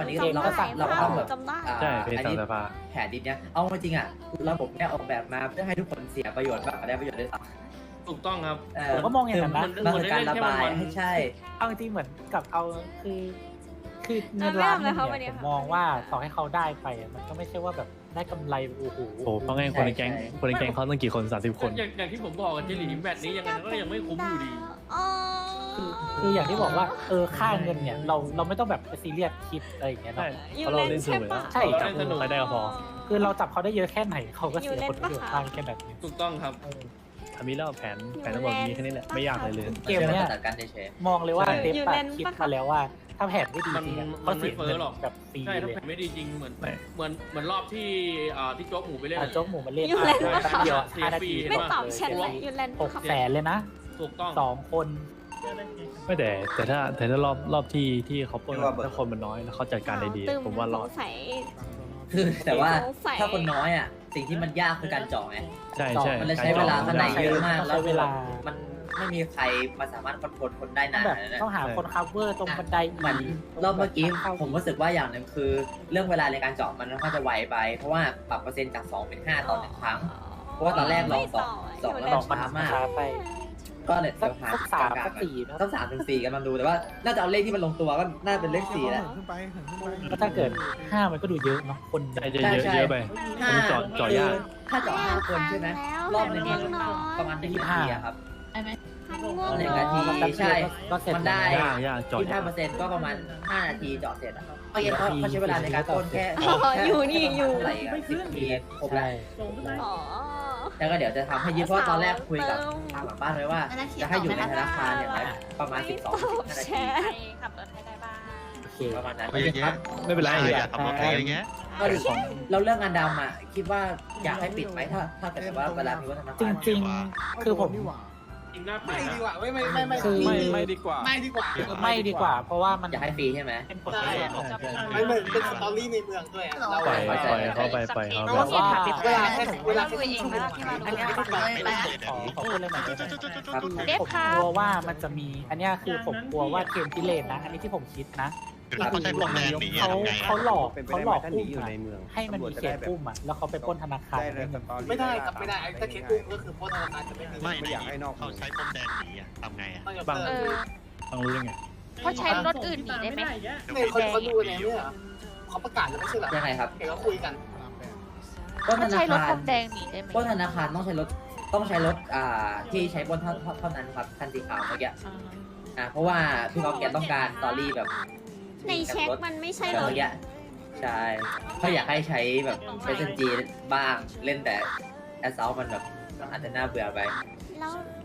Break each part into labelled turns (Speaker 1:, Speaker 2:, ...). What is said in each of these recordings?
Speaker 1: นี้
Speaker 2: จำ
Speaker 1: เราก็
Speaker 2: ได้
Speaker 1: สั่งเราก็ต้องแบบ
Speaker 2: จำได้
Speaker 3: ใช่เพจ
Speaker 1: อัน
Speaker 3: สา
Speaker 1: นี้
Speaker 3: มสภา
Speaker 1: แผนดินเนี้ยเอาจริงๆอ่ะระบบเนี้ยออกแบบมาเพื่อให้ทุกคนเสียประโยชน์มากกว่าได้ประโยชน์ด้วยซ้ำ
Speaker 4: ถูกต้องครับ
Speaker 5: ผมก็มองอย่างนั้นนะ
Speaker 1: มันคือการระบายให้ใช่
Speaker 5: เอาจริงๆเหมือนกับเอาคือเงินล้านเนี่ยผมมองว่าต่อให้เขาได้ไปมันก็ไม่ใช่ว่าแบบได้กำไรโอ้โห
Speaker 3: โอ้เพราะไงคนในแก๊ง
Speaker 1: ใช่
Speaker 3: คนในแก๊งเขาตั้งกี่คน30 คน
Speaker 4: อย่างที่ผมบอกกันเจหลีแมตช์นี้ยังไงก็ยังไม่คุ้มอยู่ดี
Speaker 2: อ๋อ
Speaker 5: คืออย่างที่บอกว่าค่าเงินเนี่ยเราไม่ต้องแบบไปซีเรียสคิดอะไรอย่างเงี้ย
Speaker 3: ใช่
Speaker 5: เนาะ
Speaker 2: อยู่
Speaker 3: เพราะเรา
Speaker 2: เล่
Speaker 3: เล่
Speaker 2: น
Speaker 3: นส
Speaker 2: ใช่
Speaker 3: นุก
Speaker 2: ปะ
Speaker 5: ใช่
Speaker 3: จับใครได้ก็พอ
Speaker 5: คือเราจับเขาได้เยอะแค่ไหนเขาก็
Speaker 2: อยู่
Speaker 5: เสีย
Speaker 2: เล่น
Speaker 5: ผลประโยชน์
Speaker 2: ปะคะ
Speaker 5: บ้างแค่แบบนี้
Speaker 4: ถูกต้องครับ
Speaker 3: ทำนี้แล้วแผนทั้งหมดมีแค่นี้แหละไม่ยากเลย
Speaker 5: เกมเนี้ย
Speaker 1: จัดการเฉย
Speaker 5: มองเลยว่า
Speaker 3: ใช่
Speaker 5: เดฟอะคิดมาแล้วว่าถ้าแผนไม่ดีจริงๆ
Speaker 4: มัน
Speaker 5: เขา
Speaker 4: ไม่
Speaker 5: เสีย
Speaker 4: เฟ้
Speaker 5: เงิ
Speaker 4: อน หรอก
Speaker 5: แบบฟรี
Speaker 4: ใช่ถ้า
Speaker 5: เลย
Speaker 4: แผ่นไม่ดีจริงเหมือน
Speaker 3: ไม่
Speaker 4: รอบที่โจ๊กหมูไปเล่น
Speaker 5: โจ๊กหมูมาเล่น
Speaker 2: อยู่เล่น
Speaker 5: แป๊บเดียว
Speaker 4: เสีย
Speaker 5: 5 นา
Speaker 4: ฟรี
Speaker 5: ที
Speaker 2: ไม่ตอบ
Speaker 5: เลย
Speaker 2: แชทเลยอยู่เล่น
Speaker 5: 600,000เลยนะ
Speaker 4: ถูกต้อง
Speaker 5: 2 คน
Speaker 3: ไม่แต่ถ้ารอบที่เขาปล้นถ้าคนมันน้อยแล้วเขาจัดการได้ดีผมว่ารอด
Speaker 2: สงสัย
Speaker 1: ๆคือแต่ว่า
Speaker 2: สงสัย
Speaker 1: ถ้าคนน้อยอ่ะสิ่งที่มันยากคือการเจาะไง
Speaker 3: ใช่ใช่
Speaker 1: มันเลยใช้เวลาข้างในเยอะมาก
Speaker 5: ใช้
Speaker 1: แล้ว
Speaker 5: เวลา
Speaker 1: มันไม่มีใครมาสามารถคอนโทรลคนได้นาน
Speaker 5: แบบ
Speaker 1: นะ
Speaker 5: ต้องหาคนคัฟเวอร์ตรงบันได
Speaker 1: เหมือนรอบเมื่อกี้ผมรู้สึกว่าอย่างหนึ่งคือ เรื่องเวลาในการเจาะมันค่อนข้างจะไวไป เพราะว่าปรับเปอร์เซ็นต์จาก 2 เป็น 5 ต่อ 1 ครั้ง เพราะว่าตอนแรกเราสอง
Speaker 2: ยู่
Speaker 1: แล้ว
Speaker 2: เล่
Speaker 1: เรา
Speaker 2: น
Speaker 1: ช้ามาก
Speaker 5: ช้าไป
Speaker 1: ก็เลย
Speaker 5: สั
Speaker 1: เดี๋
Speaker 5: ก
Speaker 1: ยวหา
Speaker 5: สาม
Speaker 1: กลาง
Speaker 5: สัก
Speaker 1: ๆ
Speaker 5: สี่นะ
Speaker 1: ต้อง3 ถึง 4กันมาดูแต่ว่าน่าจะเอาเลขที่มันลงตัวก็น่าเป็นเลข4แล้ว
Speaker 6: ขึ้นไปขึ้นไป
Speaker 5: แล้วถ้าเกิด5มันก็ดูเยอะเนาะคน
Speaker 3: ใช่เยอะไป
Speaker 1: ห้า
Speaker 3: ผมเจาะยาก
Speaker 1: ถ้าเจาะ5 คนใช่ไหมรอบหนึงมัน
Speaker 2: น้อย
Speaker 1: ประมาณ1 นาทีอะครับ
Speaker 2: พันง่วง
Speaker 1: หนึ่ง
Speaker 2: นอ
Speaker 1: นาที
Speaker 2: น
Speaker 1: ใช่
Speaker 5: ก็เสร็จ
Speaker 1: มันได้
Speaker 3: ยากเจาะยาก
Speaker 1: 25%ก็ประมาณ5 นาทีเจาะเสร็จอะเมื่อกี้เขาใช้เวลาในการต้นแค่
Speaker 2: อยู่นี่อยู่
Speaker 1: เท่าไหร่อะ10 นาทีครบแล้ว
Speaker 2: อ๋อ
Speaker 1: แล้วก็เดี๋ยวจะทำให้ยืดเพราะตอนแรกคุยกับทางหลังบ้านไว้ว่า จะให้อยู่ในธนาคารอย่างไรประมาณ 12-15 นาที
Speaker 7: ขับรถให้ได้บ้าง
Speaker 5: โอเค
Speaker 1: ประมาณนั้น
Speaker 8: โอ้ยอย่างเงี้ย
Speaker 3: ไม่เป็นไร
Speaker 8: อยากขับรถอะไรอย่างเงี้ย
Speaker 1: ก็เดี๋ยวเราเรื่องงานดำอ่ะคิดว่าอยากให้ปิดไหมถ้าเกิดว่าเวลามีวัฒนธร
Speaker 5: จ
Speaker 1: รม
Speaker 5: ริงๆ คือผม
Speaker 6: นี่หว่า
Speaker 4: จริงหน้าเปลี่
Speaker 6: ไม่
Speaker 4: ยน
Speaker 6: ดี
Speaker 4: นะ
Speaker 6: กว่าไม่
Speaker 5: คือ
Speaker 3: ไม่ดีกว่า
Speaker 6: ไม่ดีกว่า
Speaker 5: ไม่ดีกว่า เพราะว่ามัน
Speaker 1: อยากให้ฟรีใช่ไหม
Speaker 5: เป็นผลประโยชน์
Speaker 6: ไม่เหมือนเป็นสตอรี่ในเมืองด้วยอะเรา
Speaker 3: ปล่อยเขาไป
Speaker 5: เพราะว่า
Speaker 6: เวลาแค่
Speaker 7: เอง
Speaker 6: ชั่วโม
Speaker 7: นะ
Speaker 6: ง
Speaker 7: ที่มา
Speaker 6: อันนี้ไม่ได้
Speaker 5: ขอพูดเลยหน่อยได้ไหม
Speaker 1: ครับ
Speaker 5: ผม
Speaker 7: เดฟค่ะ
Speaker 5: กลัวว่ามันจะมี อันเนี้ยคือผมกลัวว่าเกมพิเรนนะ อันนี้ที่ผมคิดนะ
Speaker 8: คือถ้าเขาใช้พรมแดงหนีอะ
Speaker 5: เขา
Speaker 8: ทำไง
Speaker 5: เขา
Speaker 8: อะ
Speaker 5: หลอก
Speaker 9: เป็นไป
Speaker 5: เขา
Speaker 9: ได้
Speaker 5: หล
Speaker 9: ไหม
Speaker 5: อก
Speaker 9: ถ้าห
Speaker 5: อุ้
Speaker 9: นี
Speaker 5: ม
Speaker 9: อยู่
Speaker 5: อะ
Speaker 9: ในเมือง
Speaker 5: ให้มันมีเขตอุ้มอะแล้วเขาไปปล้นธนาคาร
Speaker 9: ได้เลยสตอรี่
Speaker 6: ไม่ได้ครับไม่ได้ถ้าเคสอุ้มก็คือโพสธนาคารจะไม่มี
Speaker 8: ไม่
Speaker 9: ไม่อยากให้นอก
Speaker 8: เขาใช้พรมแดงหนีอะทำไงอะ
Speaker 5: บาง
Speaker 7: เออ
Speaker 3: ต้องรู้ได้ไง
Speaker 7: เขาใช้รถอื่นหนีได้ไหม
Speaker 6: เนี่ยเขาดูเนี่ยเขาประกาศแล้วไม่ใช่เหรอ
Speaker 1: ยังไงครับ
Speaker 6: เห็นเขาคุยกัน
Speaker 1: ต้นธ
Speaker 7: เขา
Speaker 1: นา
Speaker 7: ใช้รถ
Speaker 1: คาร
Speaker 7: พรมแดงหนีได้ไหม
Speaker 1: ต้นธนาคารต้องใช้รถที่ใช้บนเท่านั้นครับคันสีขาวเมื่อกี้เพราะว่าพี่เขาแกต้องการสตอรี่แบบ
Speaker 2: ในเช็คมันไม่ใช่
Speaker 1: แบบ
Speaker 2: รถ
Speaker 1: เมื่อกี้ใช่เขาอยากให้ใช้แบบ SNG บ้างเล่นแต่แอสซอลมันแบบอาจจะน่าเบื่อไป
Speaker 2: แล้ว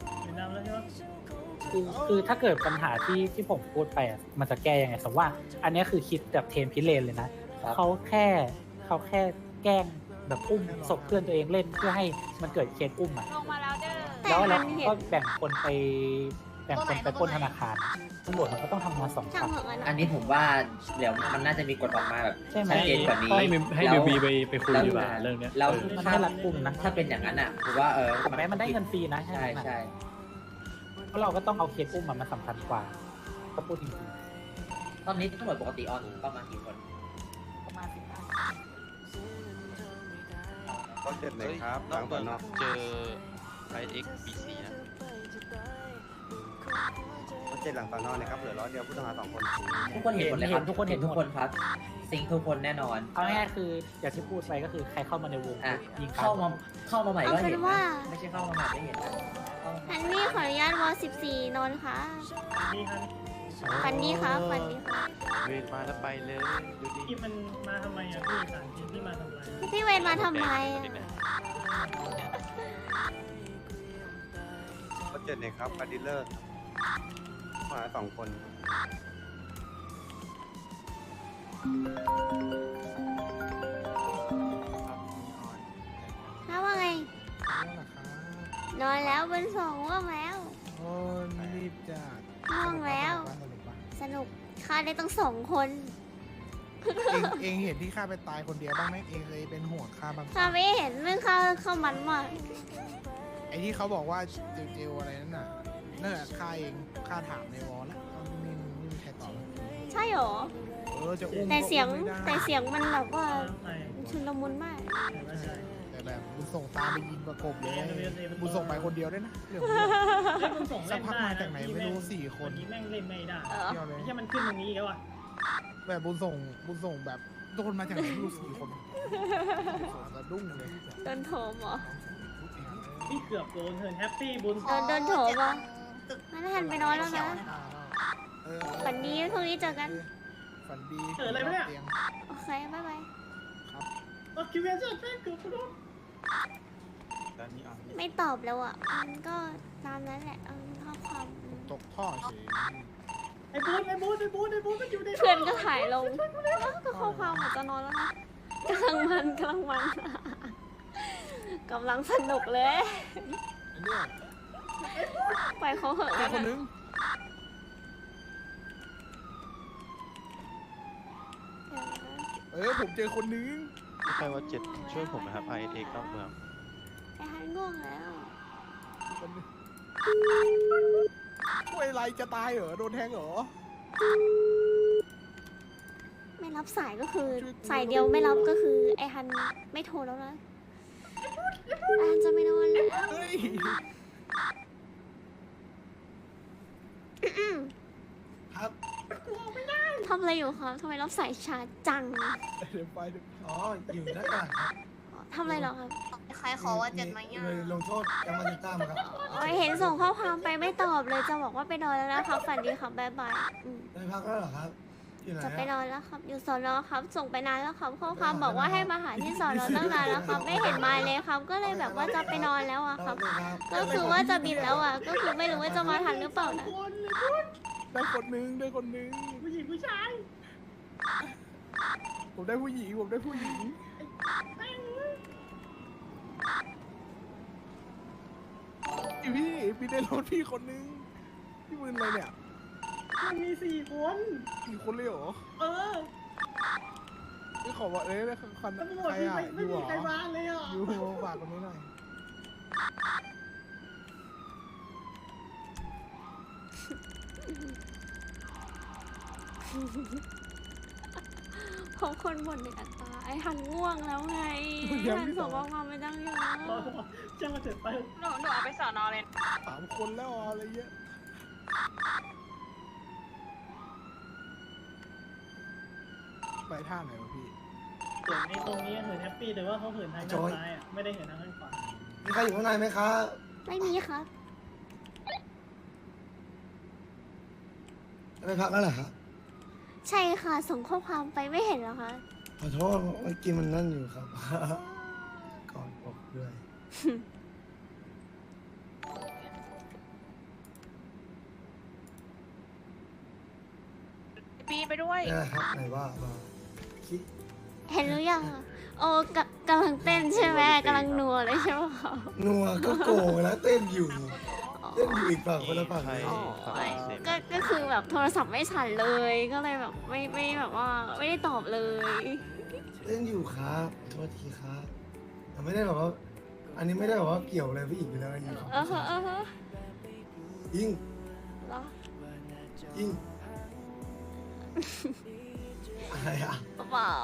Speaker 5: คือถ้าเกิดปัญหาที่ผมพูดไปอะมันจะแก้ยังไงสมมติว่า อันเนี้ยคือคิดแบบเทมพิเรนเลยนะ
Speaker 1: ครับ
Speaker 5: เขาแค่แกล้งแบบอุ้มศพเพื่อนตัวเองเล่นเพื่อให้มันเกิดเคสอุ้มอ่ะ
Speaker 7: ลงมาแล้วเด้อ
Speaker 2: แต่
Speaker 5: แล้ว
Speaker 2: มั
Speaker 5: เรา
Speaker 2: นเห็น
Speaker 5: ก็แบ่งคนไปปล้นธนาคารตำรวจมันก็ต้องทำงานสอง
Speaker 2: ช่าง
Speaker 5: ฝั่ง
Speaker 2: เหอะ
Speaker 1: อันนี้ผมว่าเดี๋ยวมันน่าจะมีกฎออกมาแบบ
Speaker 5: ใช่ไหม
Speaker 1: ชัดเจนกว่านี้
Speaker 3: ให้
Speaker 1: แล้ว
Speaker 3: บีไปคุยดีกว่าเรื่องเนี้ย
Speaker 1: แล้ว
Speaker 5: มัน
Speaker 1: ถ้า
Speaker 5: ไม่รัดกุมนะ
Speaker 1: ถ้าเป็นอย่างนั้นอ่ะผมว่า
Speaker 5: ถึงแม้มันได้เงินฟรีนะ
Speaker 1: ใช่ใช่
Speaker 5: เพราะเราก็ต้องเอาเคสอุ้มมันสำคัญกว่าก็พูดจริง
Speaker 1: ตอนนี้ตำรวจปกติออนประมาณกี่คน
Speaker 5: ๆประมาณ15
Speaker 9: ก็เจ็ดเลยครับหลังตอนนอก
Speaker 8: เจอไอเอ็กซ์บีซีนะ
Speaker 9: ก็เจ็ดหลังตอนนอกนะครับเหลือ100เดียวผู้ต้องหา2 คน
Speaker 1: ทุกคนเห็นหมดเลยครับทุกคนเห็นทุกคนครับซิงค์ทุกคนแน่นอน
Speaker 5: เอาง่ายๆคืออย่างที่พูดไปก็คือใครเข้ามาในวง
Speaker 1: อ่ะ
Speaker 5: ยิง
Speaker 1: เข้ามาใหม่ก็เห็น
Speaker 2: เอาเป็นว่า
Speaker 1: นะไม่ใช่เข้ามาใหม่ไม่เห็นนะเข้ามา
Speaker 2: ฮันนี่ขออนุญาตวอ14นนท์ค่ะฟันนี้ค่ะฟันนี้ค่ะ
Speaker 8: เวรมาแล้วไปเลยดูดิ
Speaker 10: ที่มันมาทำไมอ่ะพี่สารพิษที่มาทำไม
Speaker 2: พี่เวรมาทำไมอะ
Speaker 9: ก็เจ็ดเลยครับคาร์ดิลเลอร์ผู้ต้องหา2 คน
Speaker 2: แล้วว่าไง นอนแล้วบนสองง่วงแล้ว
Speaker 6: โอ้รีบจัด
Speaker 2: ง่วงแล้ว สนุกฆ่าได้ตั้ง2 คน
Speaker 6: เองเห็นที่ข้าไปตายคนเดียวบ้างไหมเองเคยเป็นห่วงข้าบ้าง
Speaker 2: ข้าไม่เห็นเรื่องข้ามันมาก
Speaker 6: ไอ้ที่เขาบอกว่าเจลอะไรนั่นน่ะนั่นแหละข้าเองข้าถามในวอลแล้วไม่มีใครตอบ
Speaker 2: ใช่หรอ
Speaker 6: จะอุ้ม
Speaker 2: แต่เสียง
Speaker 6: ก็อุ้มไม่ได้
Speaker 2: แต่เสียงมันแบบว่า
Speaker 10: ใช่
Speaker 2: ชุลมุนมาก
Speaker 10: ใช่
Speaker 6: แต่แบบบุญส่งตามไปยิงประกบเลยบุญส่งไปคนเดียวด้วยนะเรื่อง
Speaker 10: เล่นมันส่ง
Speaker 6: สั
Speaker 10: เล่
Speaker 6: ก
Speaker 10: น
Speaker 6: พัก
Speaker 10: ได้
Speaker 6: มาจากไหนไม่รู้4 คน
Speaker 10: วันนี้แม่งเล่นไม่ได้
Speaker 6: เที่ยวเลย
Speaker 10: ไม่ใช่มันขึ้นตรงนี้อีกแล้วอ่ะ
Speaker 6: แบบบุญส่งแบบโดนมาจากไหนไม่รู้4 คนสะดุ้งเลย
Speaker 2: โดนโถมเหรอ
Speaker 10: พี่เกือบโดนเทิร์นแฮปปี้บุญ
Speaker 2: โดนโถมเหรองั้นหันไปนอนแล้วนะ ฝันดีพรุ่งนี้เจอกัน
Speaker 6: ฝันดี
Speaker 10: เกิดอะไรไหมเนี่ย
Speaker 6: ตีง
Speaker 2: โอเค บ๊ายบาย
Speaker 10: รถคิวเวนเซอร์แม่งเกือบโดน
Speaker 2: ไม่ตอบแล้วอ่ะ มันก็ตามนั้นแหละข้อความ
Speaker 6: ตกท่อเฉย
Speaker 10: ไอ้บูนมันอยู่ใน
Speaker 2: เพื่อนก็ถ่ายลงก็ข้อความเหมือนจะนอนแล้วนะกำลังมันกำลังสนุกเลย
Speaker 6: ไอ้เนี่ย
Speaker 2: ปล่อยเขาเหอะ
Speaker 6: เจอคนนึง ผมเจอคนนึง
Speaker 8: ใครว่าเจ็ดช่วยผมนะครับ IX นอกเมือง
Speaker 2: ไอ้ฮันง่วงแล้ว
Speaker 6: คนนึงช่วยอะไรจะตายเหรอโดนแทงเหรอ
Speaker 2: ไม่รับสายก็คือสายเดียวไม่รับก็คือไอ้ฮันไม่โทรแล้วนะไอ้ฮันจะไม่นอนแล้ว
Speaker 6: เฮ้ย ครับ
Speaker 2: ทำอะไรอยู่ครับทำไมรับสายช้าจัง
Speaker 6: เดี๋ยวไปอ๋ออยู่ด้านหลังครับ
Speaker 2: ทำอะไรเหรอครับ
Speaker 7: ใครขอว่า7ไหมอ่ะ
Speaker 6: เลยลงโทษยังมาติดตามครับ
Speaker 2: โอ้ยเห็นส่งข้อความไปไม่ตอบเลยจะบอกว่าไปนอนแล้วนะครับฝันดีครับบ๊ายบาย
Speaker 6: ได้พักแล้วเหรอครับที่ไหน
Speaker 2: จะไปนอนแล้วครับ อยู่สอนอครับ ส่งไปนานแล้วครับข้อความบอกว่าให้มาหาที่สอนอตั้งนานแล้วครับ ไม่เห็นมาเลยครับ ก็เลยแบบว่าจะไปนอนแล้วอะครับ ก็คือว่าจะบินแล้วอะก็คือไม่รู้ว่าจะมาทันหรือเปล่านะ
Speaker 6: ได้คนนึง
Speaker 10: ผู้หญิงผู้ชาย
Speaker 6: ผมได้ผู้หญิงพี่ได้รถพี่คนนึงพี่มึนอะไรเนี่ย
Speaker 10: มันมี4 คน
Speaker 6: กี่คนเลยเหรอ
Speaker 10: เออ
Speaker 6: พี่ขอว่าได้คัน
Speaker 10: ตำรวจ
Speaker 6: ใครอ่ะ
Speaker 10: ไม่มีใครมาเลยอ่ะ
Speaker 6: อยู่ฝากคนนี้หน่อย
Speaker 2: เพราะคนบ่นในอัตราไอ้ฮันง่วงแล้วไงฮันส่งข้อความไม่ตั้งเยอะ
Speaker 10: จะมาเสร็จไป
Speaker 7: หนูเอาไปสอนอเลย
Speaker 6: 3 คนแล้วอะไรเงี้ยไปท่าไหนวะพี่
Speaker 10: เหินในตรงนี้เหินแฮปปี้แต่ว่าเขาเหินทางด้านซ้ายอ่ะไม่ได้เหินทางด้านขวา
Speaker 6: มีใครอยู่ข้างในไหมครับ
Speaker 2: ไม่มีครับ
Speaker 6: ไปพักแล้วเหรอครับ
Speaker 2: ใช่ค่ะ ส่งข้อความไปไม่เห็นเหรอคะ
Speaker 6: ขอโทษเมื่อกี้มันนั่นอยู่ครับ ก่อนบอกด้วย
Speaker 7: ปีไปด้วย
Speaker 6: นี่ครับไหนว่าคิด
Speaker 2: เห็นหรือยังอะโอ้กำลังเต้นใช่ไหมกำลังนัวเลยใช่ไหมคะ
Speaker 6: นัวก็โกงแล้วเต้นอยู่อีกฝั่งคนละฝั่ง
Speaker 8: ใคร
Speaker 6: เลย
Speaker 8: ฝั่งเซฟ
Speaker 2: ก็คือแบบโทรศัพท์ไม่สั่นเลย ก็เลยแบบไม่แบบว่าไม่ได้ตอบเลย
Speaker 6: เต้นอยู่ครับโทษทีครับแต่ไม่ได้แบบว่า อันนี้ไม่ได้แบบว่าเกี่ยวอะไรผู้หญิงไปแล้วยิงของ
Speaker 2: ฮะ
Speaker 6: ยิง
Speaker 2: เหรอ
Speaker 6: ยิงอะไรอะ
Speaker 2: เปล่า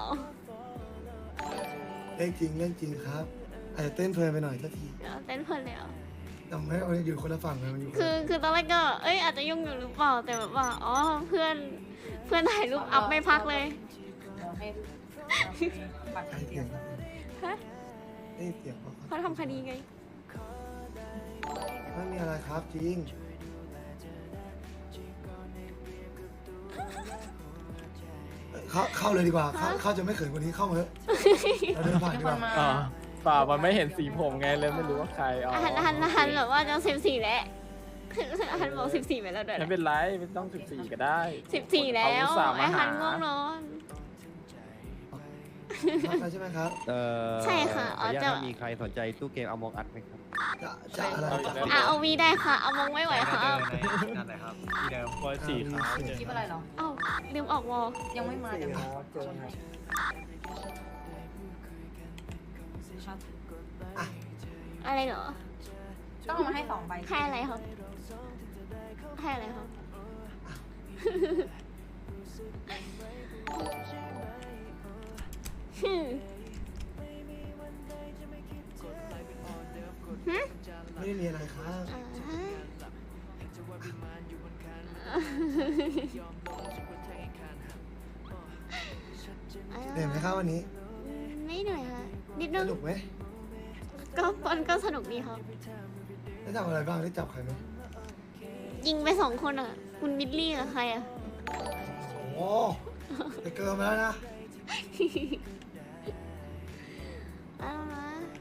Speaker 6: เรื่องจริงครับอาจจะเต้นเพลินไปหน่อยสักที
Speaker 2: เต้นเพลินเลยเหรอ
Speaker 6: แต่ไม่เอาอยู่คนละฝั่งเลยมันอยู่
Speaker 2: คือตอนแรกก็อาจจะยุ่งอยู่หรือเปล่าแต่แบบว่าอ๋อเพื่อนถ่ายรูปอัพไม่พักเลย
Speaker 6: ใครเสียง
Speaker 2: ฮะ
Speaker 6: เอ้ยเสียงเขา
Speaker 2: เขาทำคดีไง
Speaker 6: ไม่มีอะไรครับจริงเข้าเลยดีกว่าเข้าจะไม่เขินกว่านี้เข้ามาเถอะเราเดินผ่านดีกว่า
Speaker 3: อ๋อเปล่ามันไม่เห็นสีผมไงเลยไม่รู้ว่าใครอ๋อ
Speaker 2: หันแบบว่าจะ14แล้วหันบอก14ไปแล้วด้วย
Speaker 3: ไม่เป็นไรไม่ต้อง14ก็ได้
Speaker 2: 14แล้ว
Speaker 3: เขาอุตส่าห์มาหา
Speaker 2: ไอ้หันง่วงนอน
Speaker 6: ใช่ไหมครับ
Speaker 2: ใช่ค่ะอ๋อจะ
Speaker 8: มีใครสนใจตู้เกมเอามองอัดไหมครับ
Speaker 6: จะอะไร
Speaker 2: เอาวีได้ค่ะเอามองไม่ไหวค่ะ
Speaker 3: นั่นแหละครับที่เดิมวอลสีขาว
Speaker 7: คลิปอะไรเหรอ
Speaker 2: เอ้าลืมออกวอล
Speaker 7: ยังไม่มาเดี๋ยว
Speaker 2: อะไรเหรอ
Speaker 7: ต้องเอามาให้2 ใบ
Speaker 2: ให้อะไรครับให้อะไรครับฮึมฮึ
Speaker 6: ไม่ได้มีอะไรครับ
Speaker 2: อ่าฮะ
Speaker 6: เหนื่อยไหมครับวันนี้
Speaker 2: ไม่เหนื่อยค่ะนิดนึ
Speaker 6: ส
Speaker 2: ง
Speaker 6: นุกไหม
Speaker 2: ก็สนุกดีครับ
Speaker 6: ได้ทำอะไรบ้างได้จับใครไหม
Speaker 2: ยิงไป2 คนอ่ะ คุณมิดลี่กับใครอ่ะ
Speaker 6: โอ้ไปเกินมาแล้วนะ
Speaker 2: เอาละ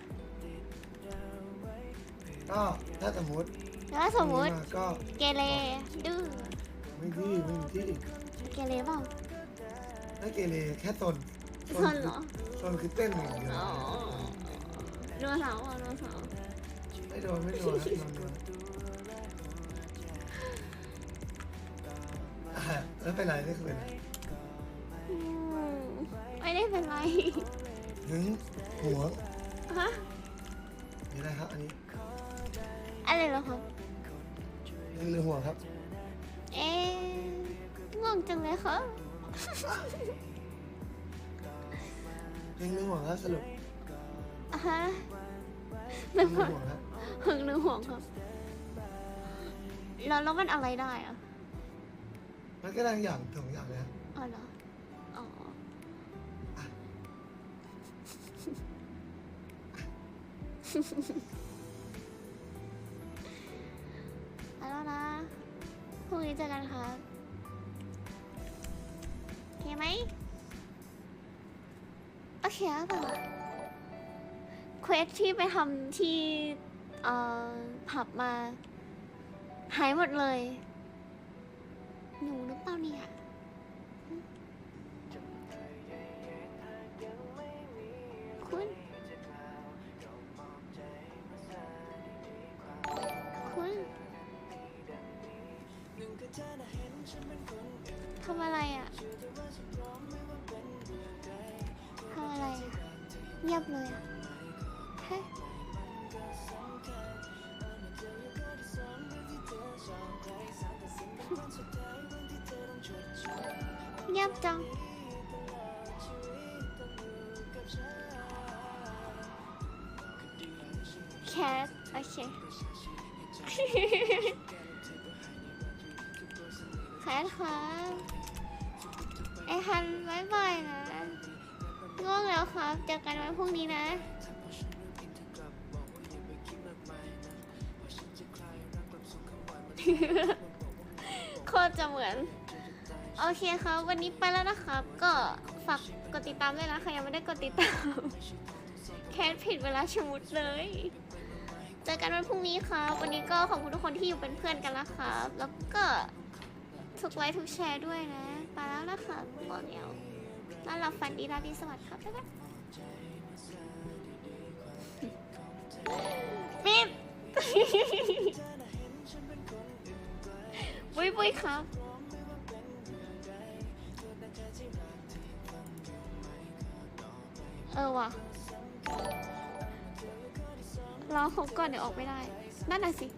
Speaker 6: ก็ถ้าสมมติ
Speaker 2: แล้วสมมติ
Speaker 6: ก็
Speaker 2: เกเรดื้อ
Speaker 6: ไม่ดื้อไม่มีที่
Speaker 2: เกเรเปล่า
Speaker 6: ไม่เกเรแค่ตน
Speaker 2: ซนเหรอ
Speaker 6: ตนคือเต้นอย่างเดียว
Speaker 2: อ๋อโดนเสาอ่ะโดนเสา
Speaker 6: ไม่โดนครับโดนแล้วเป็นไรนี่คือเป็นไร
Speaker 2: อืมไม่ได้เป็นไร
Speaker 6: หึงหัว
Speaker 2: ฮะ
Speaker 6: มีอะไรครับอันนี้
Speaker 2: อะไรเหรอครับ
Speaker 6: หึงหรือหัวครับ
Speaker 2: เอ๊ะง่วงจังเลยครับ
Speaker 6: หึงหรือหัวครับสรุป
Speaker 2: อ่ะฮะ
Speaker 6: หึงหรือหัวครับ
Speaker 2: หึงหรือห่วงครับแล้วมันอะไรได้อะ
Speaker 6: มันก็ได้อย่างสองอย่างเลยครับ
Speaker 2: อ๋อเหรออ๋อเอาแล้วนะพรุ่งนี้เจอกันครับโอเคไหมโอเคหรือเปล่าเควสที่ไปทำที่ผับมาหายหมดเลย หนูหรือเปล่าเนี่ยคุณทำอะไรอ่ะทำอะไรอ่ะเงียบเลยอ่ะเฮ้ยเงียบจังแคทโอเค แคทครับไอฮันบ๊ายบายนะง่วงแล้วครับเจอกันวันพรุ่งนี้นะ โคตรจะเหมือน โอเคครับ วันนี้ไปแล้วนะครับ ก็ฝากกดติดตามด้วยนะใครยังไม่ได้กดติดตาม แคทผิดเวลาชะมุดเลย เจอกันวันพรุ่งนี้ครับ วันนี้ก็ขอบคุณทุกคนที่อยู่เป็นเพื่อนกันนะครับ แล้วก็ทุกไลค์ทุกแชร์ด้วยนะ ไปแล้วนะครับบอกเดียวนอนหลับฝันดีราตรีสวัสดิ์ครับ บ๊ายบายปิด ปุ้ยปุ้ยครับ ว่ะรอเขาก่อนเดี๋ยวออกไม่ได้ นั่นน่ะสิ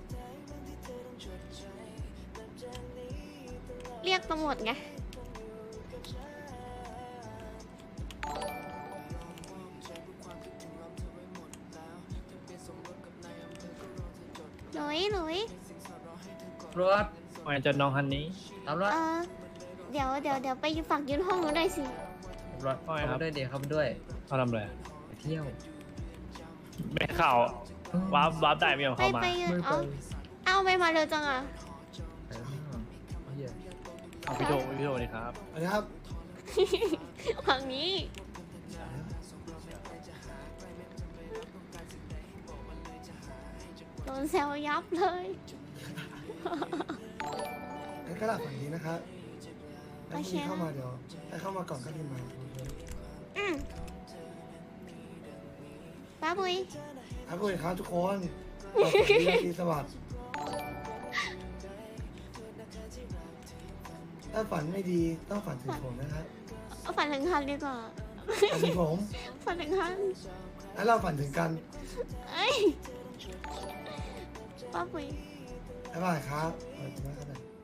Speaker 2: เรียกตำรวจไง หลุย
Speaker 3: รถมาจนน้องฮันนี้
Speaker 1: ตำรวจ
Speaker 2: เดี๋ยวไปฝากยืนห้องหนูหน่อยสิ
Speaker 3: รถว่าไงค
Speaker 1: เข้า
Speaker 3: รับ
Speaker 1: มาด้วยเดี๋ยวเข้ามาด้วย
Speaker 3: เขาทำอะไร
Speaker 1: ไปเที่ยว
Speaker 3: ไม่ข่าววาร์ปได้ไม่ยอม
Speaker 2: ไป
Speaker 3: เข้ามา
Speaker 2: ไปยืนเอาไม่มาเร็วจังอ่ะ
Speaker 1: เหี้ย
Speaker 3: เอาพี่โจดีครับ
Speaker 6: อันนี้ครับ
Speaker 2: ฝั่งนี้โดนแซวยับเลย
Speaker 6: งั้นก็หลับฝันดีนะครับแล้วพรุ่งนี้เข้ามาเดี๋ยวให้เข้ามาก่อนก็พิมพ์มา
Speaker 2: ป้าบุย
Speaker 6: ครับสวัสดีครับทุกคนขอบคุณที่ดีสวัสดิ์ถ้าฝันไม่ดีต้องฝันถึงผมนะครับ
Speaker 2: เอาฝันถึงคันดีกว่า
Speaker 6: ฝันถึงผม
Speaker 2: ฝันถึงคัน
Speaker 6: แล้วเราฝันถึงกัน
Speaker 2: เอ้ยป้าบุย
Speaker 6: บ๊ายบายครับขอบคุณมากครับ